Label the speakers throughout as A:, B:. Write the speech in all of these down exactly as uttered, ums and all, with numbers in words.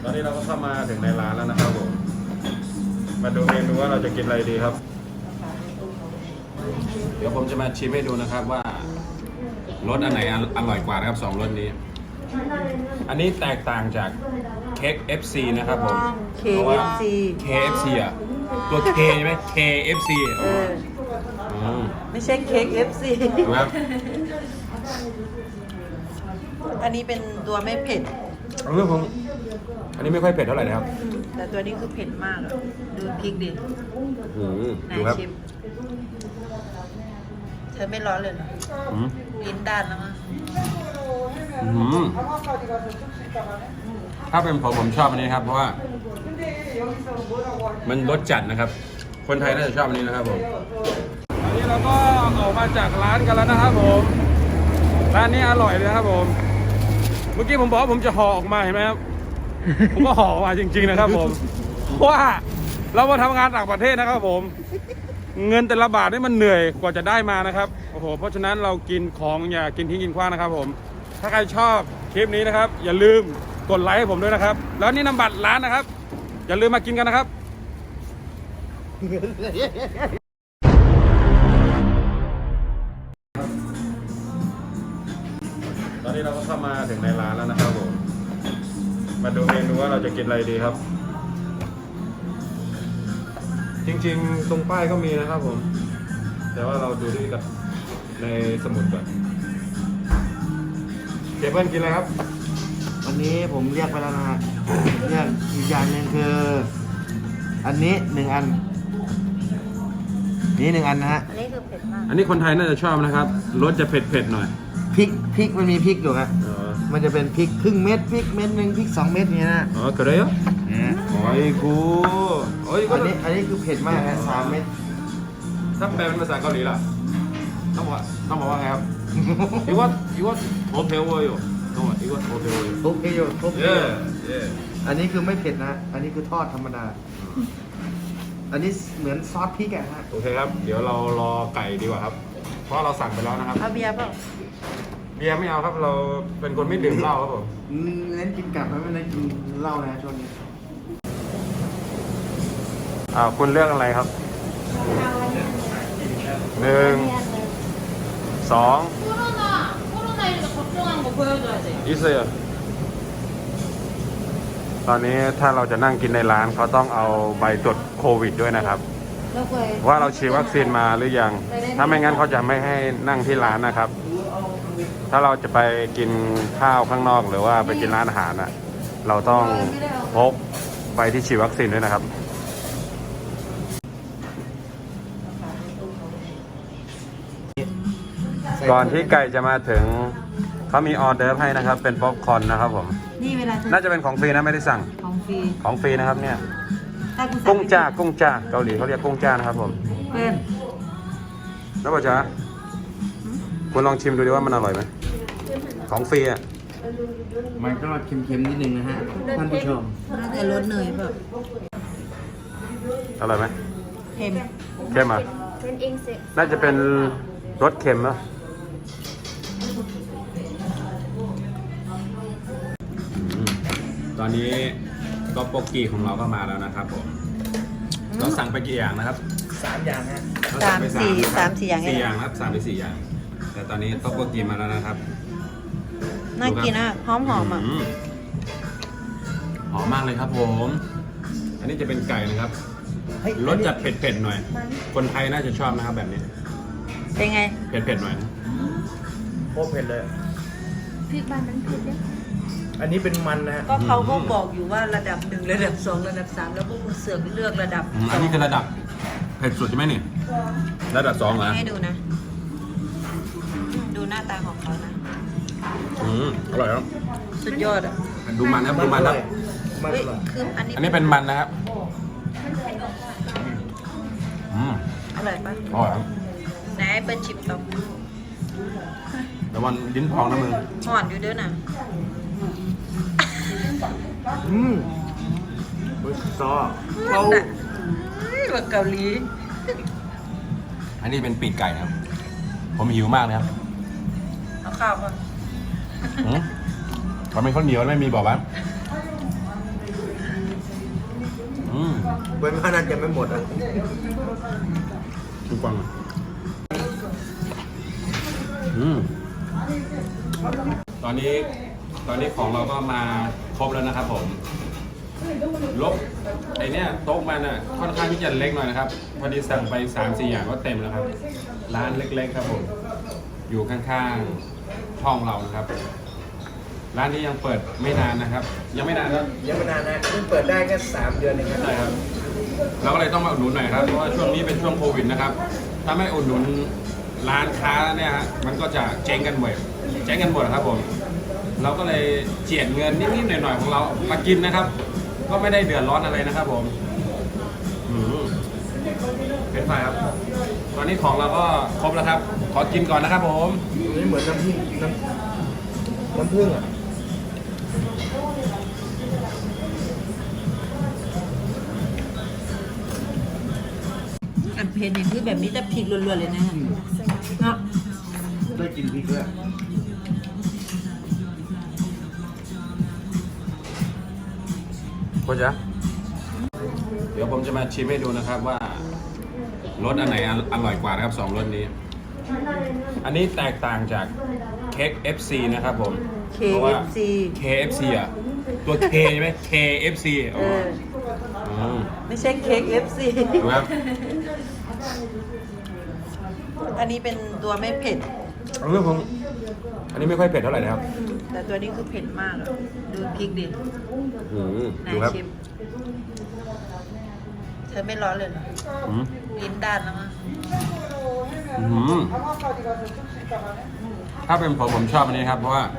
A: อนนี้เราก็เข้ามาถึงในร้านแล้วนะครับผมมาดูเมนูว่าเราจะกินอะไรดีครับเดี๋ยวผมจะมาชิมให้ดูนะครับว่ารสอันไหนอร่อยกว่านะครับสองรสนี้ อันนี้แตกต่างจากเค้ก เอฟ ซี นะครับผม
B: เค
A: เพราะ
B: เอ
A: ว่า
B: ฟ ซี
A: เค เอฟ ซี อ่ะตัว K ใช่ไหม เค เอฟ ซี
B: เออ
A: อืม
B: ไม่ใช่เค้ก เอฟ ซี
A: ถูกครับ
B: อันนี้เป็นตัวไม่เผ็ด
A: เรื่องของอันนี้ไม่ค่อยเผ็ดเท่าไหร่นะครับ
B: แต่ตัวนี้คือเผ็ดมากอะดูพริกดิ
A: อืม
B: ไหน
A: ดูครับ
B: ชิม เธอไม่ร้อนเลยเหรอ
A: อืม
B: ลิ้นด้านแล้วมั้ง
A: อืมถ้าเป็นผมผมชอบอันนี้ครับเพราะว่ามันรสจัดนะครับ คนไทยน่าจะชอบอันนี้นะครับผมตอนนี้เราก็ออกมาจากร้านกันแล้วนะครับผมร้านนี้อร่อยเลยครับผมเมื่อกี้ผมบอกว่าผมจะห่อออกมาเห็นไหมครับ ผมก็ห่อออกมาจริงๆนะครับผมเพราะว่าเรามาทำงานต่างประเทศนะครับผมเงินแต่ละบาทนี่มันเหนื่อยกว่าจะได้มานะครับโอ้โหเพราะฉะนั้นเรากินของอย่ากินทิ้งกินขว้างนะครับผมถ้าใครชอบคลิปนี้นะครับอย่าลืมกดไลค์ให้ผมด้วยนะครับแล้วนี่นำบัตรร้านนะครับอย่าลืมมากินกันนะครับตอนนี้เราก็เข้ามาถึงในร้านแล้วนะครับผมมาดูเมนูว่าเราจะกินอะไรดีครับจริงๆตรงป้ายก็มีนะครับผมแต่ว่าเราดูที่กับในสมุดก่อนเจเปิ้ลกินอะไรครับ
C: วันนี้ผมเรียกไปแล้วนะฮะ เรียกอีกอย่างหนึ่งคือ อันนี้หนึ่งอัน นี่หนึ่งอันนะฮะ
B: อันนี้คือเผ็ดมาก
A: อันนี้คนไทยน่าจะชอบนะครับรสจะเผ็ดๆหน่อย
C: พริกพริกมันมีพริกอยู่ฮะ
A: อ๋อ
C: มันจะเป็นพริกครึ่งเม็ดพริกเม็ดหนึ่งพริกสองเม็ดเนี้ยนะ
A: อ๋อกระเดียว
C: เนี่ย
A: โอ้ยกูโอ้ย
C: อันนี้อันนี้คือเผ็ดมากฮะสามเม็ด
A: ถ้าแปลเป็นภาษาเกาหลีล่ะต้องบอกต้องบอกว่าไงครับ อีว่าอีว่าโอเพลเวอร์อยู่ต้องบอกอีว่าโอเพลเวอร์อยู่
C: ทุบให้อยู่ทุบให้
A: เย่
C: อยู่
A: เย่
C: อันนี้คือไม่เผ็ดนะ อันนี้คือทอดธรรมดา อันนี้เหมือนซอสพริกอะฮะ
A: โอเคครับเดี๋ยวเรารอไก่ดีกว่าครับ เพราะเราสั่งไปแล้วนะครับ
B: เอาเบียร์เปล่า
A: เบียร์ไม่เอาครับเราเป็นคนไม่ดื่มเหล้าครับผม
C: อืมเน้นกินกลับไม่เน้นกินเหล้านะช่วงนี้
A: อ่าคุณเลือกอะไรครับหนึ่งสอง
D: 코로나 코로나십구 걱정한 거 보여줘야지.
A: อีเซียตอนนี้ถ้าเราจะนั่งกินในร้านเขาต้องเอาใบตรวจโควิดด้วยนะครับ ว่าเราฉีดวัคซีนมาหรือยัง ถ้าไม่งั้นเขาจะไม่ให้นั่งที่ร้านนะครับ ถ้าเราจะไปกินข้าวข้างนอกหรือว่าไปกินร้านอาหารอ่ะ เราต้องพกใบที่ฉีดวัคซีนด้วยนะครับ ก่อนที่ไก่จะมาถึงเขามีออเดอร์ให้นะครับ เป็นป๊อปคอร์นนะครับผม
B: นี่เวลาเธอ
A: น่าจะเป็นของฟรีนะไม่ได้สั่ง
B: ของฟรี
A: ของฟรีนะครับเนี่ย
B: ถ้าคุณสั่
A: กุ้งจ้ากุ้งจ้าเกาหลีเขาเรียกกุ้งจ้านะครับผม
B: เพื่อน
A: แล้วป่ะจ๊ะคุณลองชิมดูดิว่ามันอร่อยไหมของฟรีอ่ะ
C: มันก็เค็มๆนิดนึงนะฮะ ท่านผู้ชม
B: น่าจะรสเนยเปล่า
A: อร่อยไหม
B: เค็ม
A: เค็มอ่ะน่าจะเป็นรสเค็มนะตอนนี้ก็โปกกี้ของเราก็มาแล้วนะครับผมเราสั่งไปกี่อย่างนะครับ
C: สามอย่างฮะ
A: เรสั่งไป
B: สามสี่สามสี่อย่าง
A: สี่
B: เนี่ย
A: อย่างครับสามไปสี่อย่าง แต่ตอนนี้ต๊อกโปกกี้มาแล้วนะครับ
B: น่ากินอ่ะหอมหอมๆอ่ะ
A: มหอมมากเลยครับผม อันนี้จะเป็นไก่นะครับ
C: เฮ้ย
A: รสจัดเผ็ดๆหน่อย คนไทยน่าจะชอบนะครับแบบนี้
B: เป็นไง
A: เผ็ดๆหน่อยนะ
C: โคตรเผ็ดเลย
D: 빅반은 그래?
C: อันนี้เป็นมันนะฮะ
B: ก็เขาก็บอกอยู่ว่าระดับหนึ่งระดับสองระดับสามแล้วพวกคุณเสือกเลือกระดับ
A: อืมอันนี้คือระดับเผ็ดสุดใช่ไหมนี่ ระดับสองเหรอ
B: ให้ดูนะอืมดูหน้าตาของเขานะ
A: อืมอร่อยครับ
B: สุดยอดอ่ะ
A: ดูมันครับดูมันครับ
C: มัน
B: เฮ้ย
C: อร่อย
B: คืออันนี้
A: อันนี้เป็นมันนะครับ อืม
B: อร่อยปะ
A: อร่อยครับ
B: ไหนไอ้เปิ้ลชิมต่อ
A: แต่วันลิ้นพองนะมึง
B: ห่อนอยู่เด้อน่ะ
C: อืมเฮ้ยซอ
B: เขา
C: เขา
B: เฮ้ยแบบเกาหลี
A: อันนี้เป็นปีกไก่นะครับ ผมหิวมากนะครับ
B: เอาข้าวมา
A: อืมเขาเป็นข้าวเหนียวไม่มีบอกว่า
C: เว้นว่านั้นจะไม่หมดอ่ะ
A: คุณฟังอืมตอนนี้ตอนนี้ของเราก็มาครบแล้วนะครับผมลบไอเนี้ยโต๊ะมันอ่ะค่อนข้างที่จะเล็กหน่อยนะครับพอดีสั่งไปสามสี่อย่างก็เต็มแล้วครับร้านเล็กๆครับผมอยู่ข้างๆห้องเรานะครับร้านนี้ยังเปิดไม่นานนะครับ ยังไม่นานครับ
C: ยังไม่นานนะเพิ่งเปิดได้แค่สามเดือนเองครับ
A: ใช่ครับเราก็เลยต้องมาอุดหนุนหน่อยครับเพราะว่าช่วงนี้เป็นช่วงโควิดนะครับถ้าไม่อุดหนุนร้านค้าเนี่ยฮะมันก็จะเจ๊งกันหมดเจ๊งกันหมดครับผมเราก็เลยเจียดเงินนิดๆหน่อยๆของเรามากินนะครับ ก็ไม่ได้เดือดร้อนอะไรนะครับผมอืมเป็นไงครับตอนนี้ของเราก็ครบแล้วครับ ขอกินก่อนนะครับผม
C: อันนี้เหมือนน้ำผึ้งน้ำน้ำผึ้งอ่ะ
B: อันเพนอย่างที่แบบนี้จะพริกล้วนๆเลยนะเนาะ
C: ได้กินพริกด้วย
A: พ่อจ๊ะเดี๋ยวผมจะมาชิมให้ดูนะครับว่ารสอันไหนอร่อยกว่านะครับสองรสนี้ อันนี้แตกต่างจากเค้ก เอฟ ซี นะครับผม
B: เค
A: เพราะ
B: เอ
A: ว่า
B: ฟซี
A: เค เอฟ ซี อ่ะ ตัว K ใช่ไหม เค เอฟ ซี
B: เออ
A: อ๋อ
B: ไม่ใช่เค้ก เอฟ ซี
A: ดูครับ
B: อันนี้เป็นตัวไม่เผ็ด
A: เอาเรื่องของอันนี้ไม่ค่อยเผ็ดเท่าไหร่นะครับ
B: แต่ตัวนี้คือเผ็ดมากอะดูพริกดิ
A: อืม
B: นา
A: ดู
B: ย
A: ครับ
B: ชิมเธอไม่ร้อนเลยเหรอ
A: อืม
B: ลิ้นด้านแล้วมั้ง
A: อืมถ้าเป็นผมผมชอบอันนี้ครับ เพราะว่า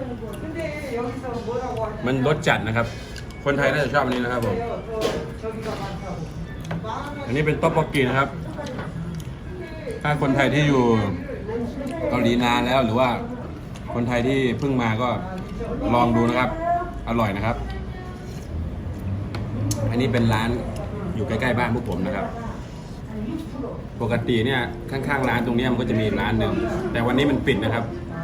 A: มันรสจัดนะครับ คนไทยน่าจะชอบอันนี้นะครับผม อันนี้เป็นต๊อกบกกีนะครับ ถ้าคนไทยที่อยู่เกาหลีนานแล้วหรือว่าคนไทยที่เพิ่งมาก็ลองดูนะครับ อร่อยนะครับ อันนี้เป็นร้านอยู่ใกล้ๆบ้านพวกผมนะครับ ปกติเนี่ยข้างๆร้านตรงนี้มันก็จะมีร้านหนึ่งแต่วันนี้มันปิดนะครับ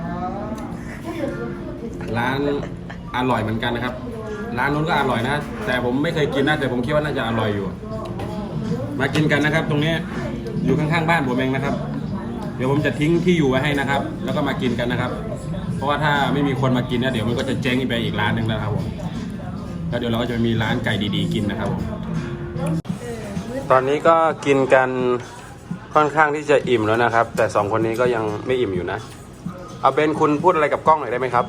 A: ร้านอร่อยเหมือนกันนะครับ ร้านนู้นก็อร่อยนะ แต่ผมไม่เคยกินนะแต่ผมคิดว่าน่าจะอร่อยอยู่ มากินกันนะครับ ตรงนี้อยู่ข้างๆบ้านผมเองนะครับ เดี๋ยวผมจะทิ้งที่อยู่ไว้ให้นะครับ แล้วก็มากินกันนะครับ เพราะว่าถ้าไม่มีคนมากินเนี่ยเดี๋ยวมันก็จะเจ๊งไปอีกร้านหนึ่งแล้วครับผมแล้วเดี๋ยวเราก็จะมีร้านไก่ดีๆกินนะครับผมตอนนี้ก็กินกันค่อนข้างที่จะอิ่มแล้วนะครับ แต่สองคนนี้ก็ยังไม่อิ่มอยู่นะเอาเบนคุณพูดอะไรกับกล้องหน่อยได้ไหมครับ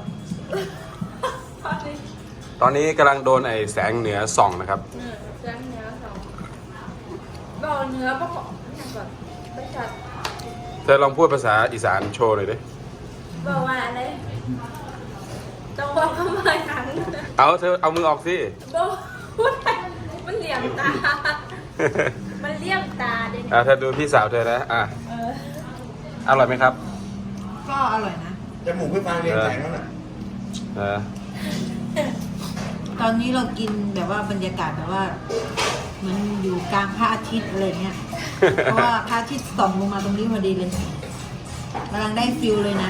A: ตอนนี้กำลังโดนไอ้แสงเหนือส่องนะครับ
D: 응, 짠 녀석. 너 녀석 약간ไม่ชัด
A: เธอลองพูดภาษาอีสานโชว์หน่อยดิ
D: บอกว่าอะไรต้องบอกคำว่าหยัง
A: เอาเธอเอามือออกสิ
D: บอกพูดไปมันเหลี่ยมตา มันเลี่ยมตาเด็ก
A: อ่ะเธอดูพี่สาวเธอนะอ่ะ
D: เออ
A: อร่อยไหมครับ
B: ก็อร่อยนะ
C: จมูกพี่ฟางเรียงแสงแล้วน่ะ
A: เออ
B: ตอนนี้เรากินแบบว่าบรรยากาศแบบว่าเหมือนอยู่กลางพระอาทิตย์อะไรเงี้ย เพราะว่าพระอาทิตย์ส่องลงมาตรงนี้พอดีเลยกำลังได้ฟิลเลยนะ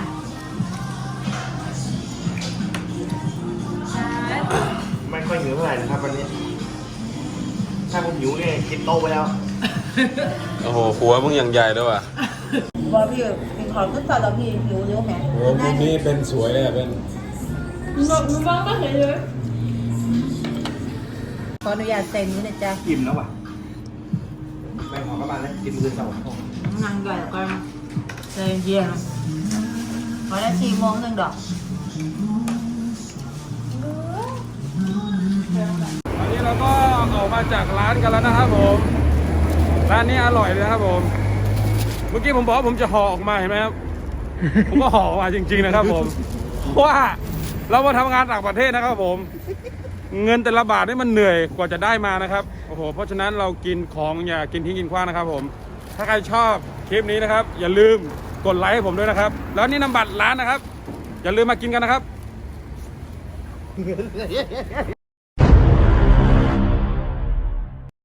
C: ไม่ค่อยหิวเท่าไหร่นะครับวันนี้ ถ้าผมหิวเนี่ยกินโตไปแล้ว
A: โอ้โหหัวมึงอย่างใหญ่ด้วยว่ะ
B: บอกพี่มีของขึ้นต่อแล้วพี่หิวเยอะไหม
A: โอ้มุมนี้เป็นสวยเลยอ่ะเป็น
D: มึงมึงบ้างก็เห็นเลย
B: ขออนุญาตเซ็นนี้นะจ๊ะ
C: อิ่มแล้วว่ะไปขอกลับบ้านแล้วกินมือเสาร์
B: นั่งใหญ่ก็ใจเย็นขอได้สี่โมงหนึ่งดอก
A: ตอนนี้เราก็ออกมาจากร้านกันแล้วนะครับผมร้านนี้อร่อยเลยนะครับผมเมื่อกี้ผมบอกว่าผมจะห่อออกมาเห็นไหมครับ ผมก็ห่อออกมาจริง ๆนะครับผมเพราะว่าเรามาทำงานต่างประเทศนะครับผมเงินแต่ละบาทนี่มันเหนื่อยกว่าจะได้มานะครับโอ้โหเพราะฉะนั้นเรากินของอย่ากินทิ้งกินขว้างนะครับผมถ้าใครชอบคลิปนี้นะครับ อย่าลืมกดไลค์ให้ผมด้วยนะครับ แล้วนี่นำบัตรร้านนะครับ อย่าลืมมากินกันนะครับ